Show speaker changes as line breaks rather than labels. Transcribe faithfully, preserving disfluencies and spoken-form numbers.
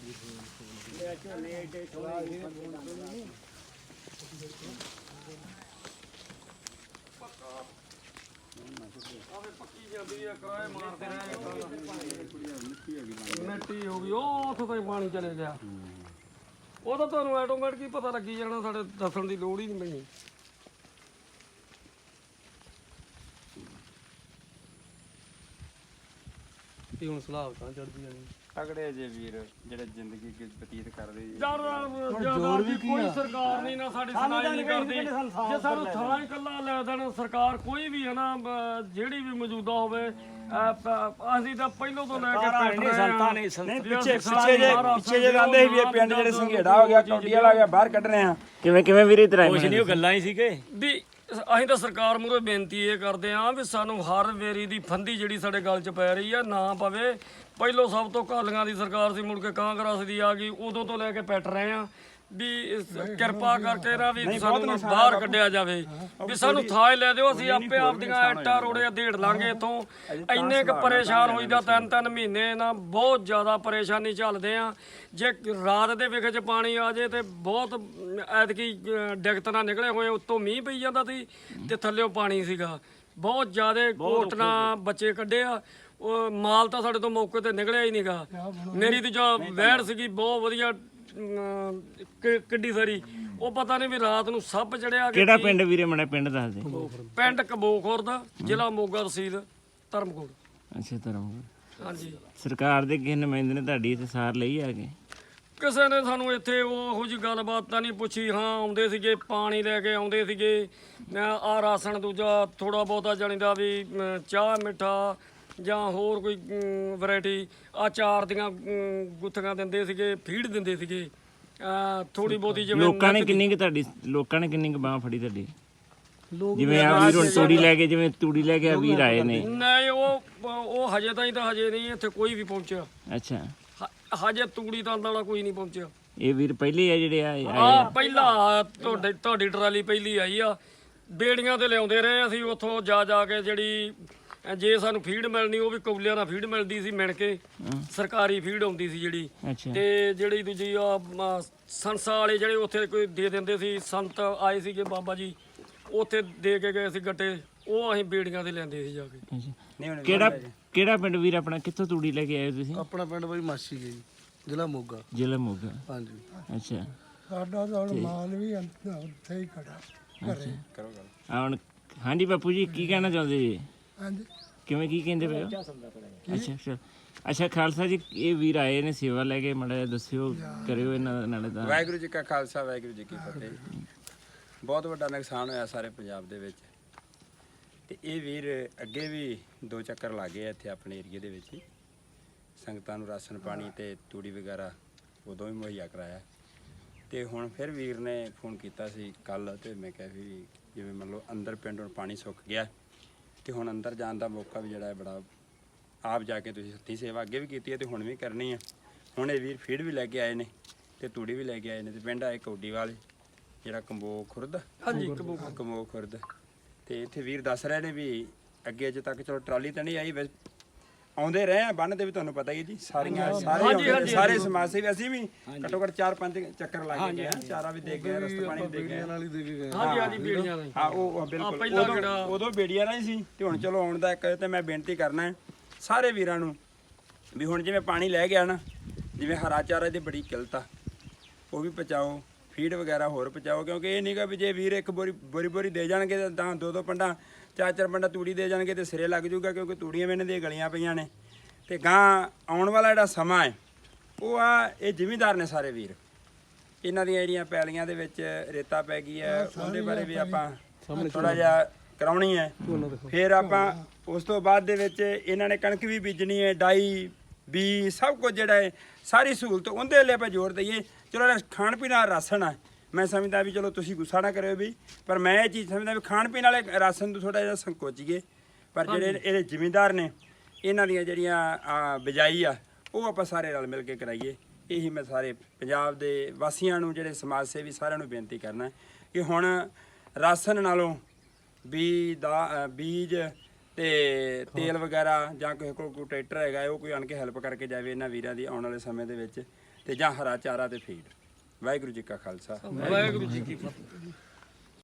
ਮਿੱਟੀ ਹੋ ਗਈ ਉਹ ਉੱਥੋਂ ਤਾਈਂ ਪਾਣੀ ਚਲੇ ਗਿਆ। ਉਹ ਤਾਂ ਤੁਹਾਨੂੰ ਆਟੋਮੈਟਿਕ ਹੀ ਪਤਾ ਲੱਗੀ ਜਾਣਾ, ਸਾਡੇ ਦੱਸਣ ਦੀ ਲੋੜ ਹੀ ਨਹੀਂ ਪੈਣੀ। ਤੇ ਹੁਣ ਸਲਾਹ ਤਾਂ ਚੜਦੀ ਜਾਣੀ
ਤਗੜੇ ਜੇ ਵੀਰ ਜਿਹੜੇ ਜ਼ਿੰਦਗੀ ਬਤੀਤ ਕਰਦੇ
ਯਾਰ ਦੀ ਕੋਈ ਸਰਕਾਰ ਨਹੀਂ ਨਾ ਸਾਡੀ ਸੁਣਾਈ ਨਹੀਂ ਕਰਦੀ। ਜੇ ਸਾਨੂੰ ਥਾਂ ਇਕੱਲਾ ਲੈ ਦੇਣ ਸਰਕਾਰ ਕੋਈ ਵੀ ਹੈ ਨਾ, ਜਿਹੜੀ ਵੀ ਮੌਜੂਦਾ ਹੋਵੇ, ਅਸੀਂ ਤਾਂ ਪਹਿਲੋਂ ਤੋਂ ਲੈ ਕੇ
ਨਹੀਂ ਸੰਤਾਂ ਨਹੀਂ ਨਹੀਂ ਪਿੱਛੇ ਪਿੱਛੇ ਜੇ ਪਿੱਛੇ ਜੇ ਕਹਿੰਦੇ ਸੀ ਵੀ ਇਹ ਪਿੰਡ ਜਿਹੜੇ ਸੰਘੇੜਾ ਹੋ ਗਿਆ, ਕੌਡੀ ਵਾਲਾ ਗਿਆ, ਬਾਹਰ ਕੱਢਣੇ ਆ। ਕਿਵੇਂ ਕਿਵੇਂ ਵੀਰੇ ਤੇਰਾ ਕੁਛ ਨਹੀਂ, ਉਹ ਗੱਲਾਂ ਹੀ ਸੀਗੇ
ਵੀ ਅਸੀਂ ਤਾਂ ਸਰਕਾਰ ਮੂਹਰੇ ਬੇਨਤੀ ਇਹ ਕਰਦੇ ਹਾਂ ਵੀ ਸਾਨੂੰ ਹਰ ਵੇਰੀ ਦੀ ਫੰਦੀ ਜਿਹੜੀ ਸਾਡੇ ਗਲ 'ਚ ਪੈ ਰਹੀ ਆ ਨਾ ਪਵੇ। ਪਹਿਲੋਂ ਸਭ ਤੋਂ ਕਾਲੀਆਂ ਦੀ ਸਰਕਾਰ ਸੀ, ਮੁੜ ਕੇ ਕਾਂਗਰਸ ਦੀ ਆ ਗਈ, ਉਦੋਂ ਤੋਂ ਲੈ ਕੇ ਪੈਟ ਰਹੇ ਆ ਵੀ ਕਿਰਪਾ ਕਰਕੇ ਨਾ ਵੀ ਸਾਨੂੰ ਬਾਹਰ ਕੱਢਿਆ ਜਾਵੇ, ਵੀ ਸਾਨੂੰ ਥਾਂ ਲੈ ਦਿਓ, ਅਸੀਂ ਆਪੇ ਆਪਦੀਆਂ ਇੱਟਾਂ ਰੋੜੇ ਢੇੜ ਲਾਂਗੇ ਇੱਥੋਂ। ਇੰਨੇ ਕੁ ਪਰੇਸ਼ਾਨ ਹੋਈਦਾ, ਤਿੰਨ ਤਿੰਨ ਮਹੀਨੇ ਨਾ ਬਹੁਤ ਜ਼ਿਆਦਾ ਪਰੇਸ਼ਾਨੀ ਝੱਲਦੇ ਆ। ਜੇ ਰਾਤ ਦੇ ਵਿਖ 'ਚ ਪਾਣੀ ਆ ਜੇ ਤੇ ਬਹੁਤ ਐਤਕੀ ਡਿਗਤ ਨਾਲ ਨਿਕਲੇ ਹੋਏ, ਉੱਤੋਂ ਮੀਂਹ ਪਈ ਜਾਂਦਾ ਸੀ ਤੇ ਥੱਲਿਓਂ ਪਾਣੀ ਸੀਗਾ, ਬਹੁਤ ਜ਼ਿਆਦਾ ਕੋਟਣਾ ਬੱਚੇ ਕੱਢੇ ਆ। ਉਹ ਮਾਲ ਤਾਂ ਸਾਡੇ ਤੋਂ ਮੌਕੇ ਤੇ ਨਿਕਲਿਆ ਹੀ ਨਹੀਂਗਾ। ਮੇਰੀ ਤੇ ਜੋ ਵਹਿੜ ਸੀਗੀ ਬਹੁਤ ਵਧੀਆ ਕਿੱਡੀ ਸਾਰੀ, ਉਹ ਪਤਾ ਨਹੀਂ ਵੀ ਰਾਤ ਨੂੰ ਸੱਪ ਚੜਿਆ।
ਕਿਹੜਾ ਪਿੰਡ ਵੀਰੇ ਮੜਾ ਪਿੰਡ ਦੱਸ ਦੇ।
ਪਿੰਡ ਕਬੋਖੁਰ ਦਾ, ਜ਼ਿਲ੍ਹਾ ਮੋਗਾ, ਤਹਿਸੀਲ ਧਰਮਕੋਟ।
ਅੱਛਾ ਧਰਮਕੋਟ।
ਹਾਂਜੀ।
ਸਰਕਾਰ ਦੇ ਕਿਸੇ ਨੁਮਾਇੰਦੇ ਨੇ ਤੁਹਾਡੀ ਇੱਥੇ ਸਾਰ ਲਈ ਆ ਕੇ?
ਕਿਸੇ ਨੇ ਸਾਨੂੰ ਇੱਥੇ ਉਹੋ ਜਿਹੀ ਗੱਲਬਾਤ ਤਾਂ ਨਹੀਂ ਪੁੱਛੀ। ਹਾਂ ਆਉਂਦੇ ਸੀਗੇ, ਪਾਣੀ ਲੈ ਕੇ ਆਉਂਦੇ ਸੀਗੇ, ਆਹ ਰਾਸ਼ਨ ਦੂਜਾ ਥੋੜਾ ਬਹੁਤਾ ਜਾਣੀਦਾ ਵੀ ਚਾਹ ਮਿੱਠਾ ਜਾਂ ਹੋਰ ਕੋਈ ਵੈਰਾਈਟੀ, ਆ ਚਾਰ ਦੀਆਂ ਗੁੱਥੀਆਂ ਦਿੰਦੇ ਸੀਗੇ, ਫੀਡ ਦਿੰਦੇ ਸੀਗੇ ਥੋੜੀ ਬਹੁਤੀ। ਜਿਵੇਂ
ਲੋਕਾਂ ਨੇ ਕਿੰਨੀ ਕੁ ਤੁਹਾਡੀ ਲੋਕਾਂ ਨੇ ਕਿੰਨੀ ਕੁ ਬਾਂਹ ਫੜੀ ਤੁਹਾਡੀ? ਜਿਵੇਂ ਆ ਵੀਰ ਹੁਣ ਤੂੜੀ ਲੈ ਕੇ, ਜਿਵੇਂ ਤੂੜੀ ਲੈ ਕੇ ਆ ਵੀਰ ਆਏ ਨੇ।
ਨਹੀਂ ਉਹ ਉਹ ਹਜੇ ਤਾਈਂ ਤਾਂ ਹਜੇ ਨਹੀਂ ਇੱਥੇ ਕੋਈ ਵੀ ਪਹੁੰਚਿਆ।
ਅੱਛਾ,
ਹਜੇ ਤੂੜੀ ਤਾਂ ਵਾਲਾ ਕੋਈ ਨਹੀਂ ਪਹੁੰਚਿਆ।
ਇਹ ਵੀਰ ਪਹਿਲੇ ਆ ਜਿਹੜੇ ਆਏ?
ਆ ਪਹਿਲਾ ਤੁਹਾਡੇ ਤੁਹਾਡੀ ਟਰਾਲੀ ਪਹਿਲੀ ਆਈ ਆ। ਬੇੜੀਆਂ ਤੇ ਲਿਆਉਂਦੇ ਰਹੇ ਅਸੀਂ ਉੱਥੋਂ ਜਾ ਜਾ ਕੇ। ਜਿਹੜੀ ਜੇ ਸਾਨੂੰ ਫੀਡ ਮਿਲਣੀ ਉਹ ਵੀ ਕੌਲਿਆਂ ਨਾਲ ਫੀਡ ਮਿਲਦੀ ਸੀ, ਮਿਣ ਕੇ ਸਰਕਾਰੀ ਫੀਡ ਆਉਂਦੀ ਸੀ ਜਿਹੜੀ। ਤੇ ਜਿਹੜੀ ਦੂਜੀ ਆ ਸੰਸਾ ਵਾਲੇ ਜਿਹੜੇ ਉੱਥੇ ਕੋਈ ਦੇ ਦਿੰਦੇ ਸੀ, ਸੰਤ ਆਏ ਸੀਗੇ ਬਾਬਾ ਜੀ, ਉੱਥੇ ਦੇ ਕੇ ਗਏ ਸੀ ਗੱਟੇ, ਉਹ ਅਸੀਂ ਬੇੜੀਆਂ ਤੇ ਲੈਂਦੇ ਸੀ ਜਾ ਕੇ।
ਕਿਹੜਾ ਕਿਹੜਾ ਪਿੰਡ ਵੀਰ ਆਪਣਾ? ਕਿੱਥੋਂ ਤੂੜੀ ਲੈ ਕੇ ਆਏ ਤੁਸੀਂ?
ਆਪਣਾ ਪਿੰਡ ਬਈ ਮਾਸੀ ਗਈ, ਜ਼ਿਲ੍ਹਾ ਮੋਗਾ।
ਜ਼ਿਲ੍ਹਾ ਮੋਗਾ,
ਹਾਂਜੀ।
ਅੱਛਾ,
ਸਾਡਾ ਤਾਂ ਹੁਣ ਮਾਲ ਵੀ ਉੱਥੇ ਹੀ ਖੜਾ ਘਰੇ।
ਕਰੋ ਗੱਲ ਆ ਹੁਣ। ਹਾਂਜੀ ਬਾਪੂ ਜੀ, ਕੀ ਕਹਿਣਾ ਚਾਹੁੰਦੇ ਜੀ?
ਹਾਂਜੀ,
ਕਿਵੇਂ ਕੀ ਕਹਿੰਦੇ ਪਏ ਹੋ? ਅੱਛਾ ਅੱਛਾ ਅੱਛਾ ਖਾਲਸਾ ਜੀ, ਇਹ ਵੀਰ ਆਏ ਨੇ ਸੇਵਾ ਲੈ ਕੇ, ਮਾੜਾ ਜਿਹਾ ਦੱਸਿਓ, ਕਰਿਓ ਇਹਨਾਂ ਨਾਲ ਤਾਂ।
ਵਾਹਿਗੁਰੂ ਜੀ ਕਾ ਖਾਲਸਾ, ਵਾਹਿਗੁਰੂ ਜੀ ਕੀ ਫਤਿਹ। ਬਹੁਤ ਵੱਡਾ ਨੁਕਸਾਨ ਹੋਇਆ ਸਾਰੇ ਪੰਜਾਬ ਦੇ ਵਿੱਚ, ਤੇ ਇਹ ਵੀਰ ਅੱਗੇ ਵੀ ਦੋ ਚੱਕਰ ਲੱਗੇ ਆ ਇੱਥੇ ਆਪਣੇ ਏਰੀਏ ਦੇ ਵਿੱਚ ਹੀ। ਸੰਗਤਾਂ ਨੂੰ ਰਾਸ਼ਨ ਪਾਣੀ ਤੇ ਤੂੜੀ ਵਗੈਰਾ ਉਦੋਂ ਵੀ ਮੁਹੱਈਆ ਕਰਾਇਆ। ਤੇ ਹੁਣ ਫਿਰ ਵੀਰ ਨੇ ਫੋਨ ਕੀਤਾ ਸੀ ਕੱਲ, ਤੇ ਮੈਂ ਕਿਹਾ ਵੀ ਜਿਵੇਂ ਮੰਨ ਲਓ ਅੰਦਰ ਪਿੰਡ ਹੁਣ ਪਾਣੀ ਸੁੱਕ ਗਿਆ, ਤੇ ਹੁਣ ਅੰਦਰ ਜਾਣ ਦਾ ਮੌਕਾ ਵੀ ਜਿਹੜਾ ਹੈ ਬੜਾ, ਆਪ ਜਾ ਕੇ ਤੁਸੀਂ ਹੱਥੀਂ ਸੇਵਾ ਅੱਗੇ ਵੀ ਕੀਤੀ ਹੈ ਤੇ ਹੁਣ ਵੀ ਕਰਨੀ ਆ। ਹੁਣ ਇਹ ਵੀਰ ਫੀਡ ਵੀ ਲੈ ਕੇ ਆਏ ਨੇ ਤੇ ਤੂੜੀ ਵੀ ਲੈ ਕੇ ਆਏ ਨੇ। ਤੇ ਪਿੰਡ ਆਏ ਕੌਡੀ ਵਾਲੇ, ਜਿਹੜਾ ਕੰਬੋ ਖੁਰਦ।
ਹਾਂਜੀ,
ਕੰਬੋ ਖੁਰਦ। ਤੇ ਇੱਥੇ ਵੀਰ ਦੱਸ ਰਹੇ ਨੇ ਵੀ ਅੱਗੇ ਅਜੇ ਤੱਕ ਚਲੋ ਟਰਾਲੀ ਤਾਂ ਨਹੀਂ ਆਈ, ਵੈਸੇ ਆਉਂਦੇ ਰਹੇ ਆ ਬੰਨ ਤੇ ਵੀ, ਤੁਹਾਨੂੰ ਪਤਾ ਹੀ ਜੀ ਸਾਰੀਆਂ ਸਾਰੇ ਸਾਰੇ ਸਮਾਜ ਸੇਵੀ ਅਸੀਂ ਵੀ ਘੱਟੋ ਘੱਟ ਚਾਰ ਪੰਜ ਚੱਕਰ ਲਾ ਕੇ ਗਏ, ਚਾਰਾ ਵੀ ਦੇ ਗਏ, ਰਸਤ ਪਾਣੀ ਦੇ ਗਏ।
ਹਾਂਜੀ ਹਾਂਜੀ, ਬੇੜੀਆਂ ਨਾਲ।
ਹਾਂ ਉਹ ਬਿਲਕੁਲ ਉਦੋਂ ਬੇੜੀਆਂ ਨਾਲ ਹੀ ਸੀ। ਤੇ ਹੁਣ ਚਲੋ ਆਉਣ ਦਾ ਇੱਕ ਤੇ ਮੈਂ ਬੇਨਤੀ ਕਰਨਾ ਹੈ ਸਾਰੇ ਵੀਰਾਂ ਨੂੰ ਵੀ ਹੁਣ ਜਿਵੇਂ ਪਾਣੀ ਲੈ ਗਿਆ ਨਾ, ਜਿਵੇਂ ਹਰਾ ਚਾਰਾ ਦੀ ਬੜੀ ਕਿੱਲਤ ਆ, ਉਹ ਵੀ ਪਹੁੰਚਾਓ, ਫੀਡ ਵਗੈਰਾ ਹੋਰ ਪਹੁੰਚਾਓ। ਕਿਉਂਕਿ ਇਹ ਨਹੀਂਗਾ ਵੀ ਜੇ ਵੀਰ ਇੱਕ ਬੋਰੀ ਬੋਰੀ ਬੋਰੀ ਦੇ ਜਾਣਗੇ ਤਾਂ ਦੋ ਦੋ ਪੰਡਾ ਚਾਰ ਚਾਰ ਪੰਡਾ ਤੂੜੀ ਦੇ ਜਾਣਗੇ ਤੇ ਸਿਰੇ ਲੱਗ ਜੂਗਾ, ਕਿਉਂਕਿ ਤੂੜੀਆਂ ਵੀ ਇਹਨਾਂ ਦੀਆਂ ਗਲੀਆਂ ਪਈਆਂ ਨੇ। ਤੇ ਗਾਂ ਆਉਣ ਵਾਲਾ ਜਿਹੜਾ ਸਮਾਂ ਹੈ ਉਹ ਆ, ਇਹ ਜ਼ਿਮੀਂਦਾਰ ਨੇ ਸਾਰੇ ਵੀਰ, ਇਹਨਾਂ ਦੀਆਂ ਜਿਹੜੀਆਂ ਪੈਲੀਆਂ ਦੇ ਵਿੱਚ ਰੇਤਾ ਪੈ ਗਈ ਹੈ, ਉਹਦੇ ਬਾਰੇ ਵੀ ਆਪਾਂ ਥੋੜਾ ਜਿਹਾ ਕਰਾਉਣੀ ਹੈ। ਫਿਰ ਆਪਾਂ ਉਸ ਤੋਂ ਬਾਅਦ ਦੇ ਵਿੱਚ ਇਹਨਾਂ ਨੇ ਕਣਕ ਵੀ ਬੀਜਣੀ ਹੈ, ਡਾਈ ਬੀ ਸਭ ਕੁਝ ਜਿਹੜਾ ਹੈ ਸਾਰੀ ਸਹੂਲਤ ਉਹਦੇ ਲਈ ਆਪਾਂ ਜ਼ੋਰ ਦਈਏ। ਚਲੋ ਖਾਣ ਪੀਣ ਵਾਲਾ ਰਾਸ਼ਨ ਆ, ਮੈਂ ਸਮਝਦਾ ਵੀ ਚਲੋ ਤੁਸੀਂ ਗੁੱਸਾ ਨਾ ਕਰਿਓ ਵੀ, ਪਰ ਮੈਂ ਇਹ ਚੀਜ਼ ਸਮਝਦਾ ਵੀ ਖਾਣ ਪੀਣ ਵਾਲੇ ਰਾਸ਼ਨ ਤੋਂ ਥੋੜਾ ਜਿਹਾ ਸੰਕੋਚੀਏ। ਪਰ ਜਿਹੜੇ ਇਹਦੇ ਜ਼ਿਮੀਂਦਾਰ ਨੇ, ਇਹਨਾਂ ਦੀਆਂ ਜਿਹੜੀਆਂ ਬਿਜਾਈ ਆ ਉਹ ਆਪਾਂ ਸਾਰੇ ਰਲ ਮਿਲ ਕੇ ਕਰਾਈਏ। ਇਹੀ ਮੈਂ ਸਾਰੇ ਪੰਜਾਬ ਦੇ ਵਾਸੀਆਂ ਨੂੰ, ਜਿਹੜੇ ਸਮਾਜ ਸੇਵੀ ਸਾਰਿਆਂ ਨੂੰ ਬੇਨਤੀ ਕਰਨਾ ਕਿ ਹੁਣ ਰਾਸ਼ਨ ਨਾਲੋਂ ਬੀ ਦਾ ਬੀਜ ਤੇ ਤੇਲ ਵਗੈਰਾ ਜਾਂ ਕਿਸੇ ਕੋਲ ਕੋਈ ਟਰੈਕਟਰ ਹੈਗਾ ਉਹ ਕੋਈ ਆਣ ਕੇ ਹੈਲਪ ਕਰਕੇ ਜਾਵੇ ਇਹਨਾਂ ਵੀਰਾਂ ਦੀ ਆਉਣ ਵਾਲੇ ਸਮੇਂ ਦੇ ਵਿੱਚ, ਤੇ ਜਾਂ ਹਰਾ ਚਾਰਾ ਤੇ ਫੀਡ। ਵਾਹਿਗੁਰੂ ਜੀ ਕਾ ਖਾਲਸਾ
ਵਾਹਿਗੁਰੂ ਜੀ ਕੀ ਫਤਿਹ।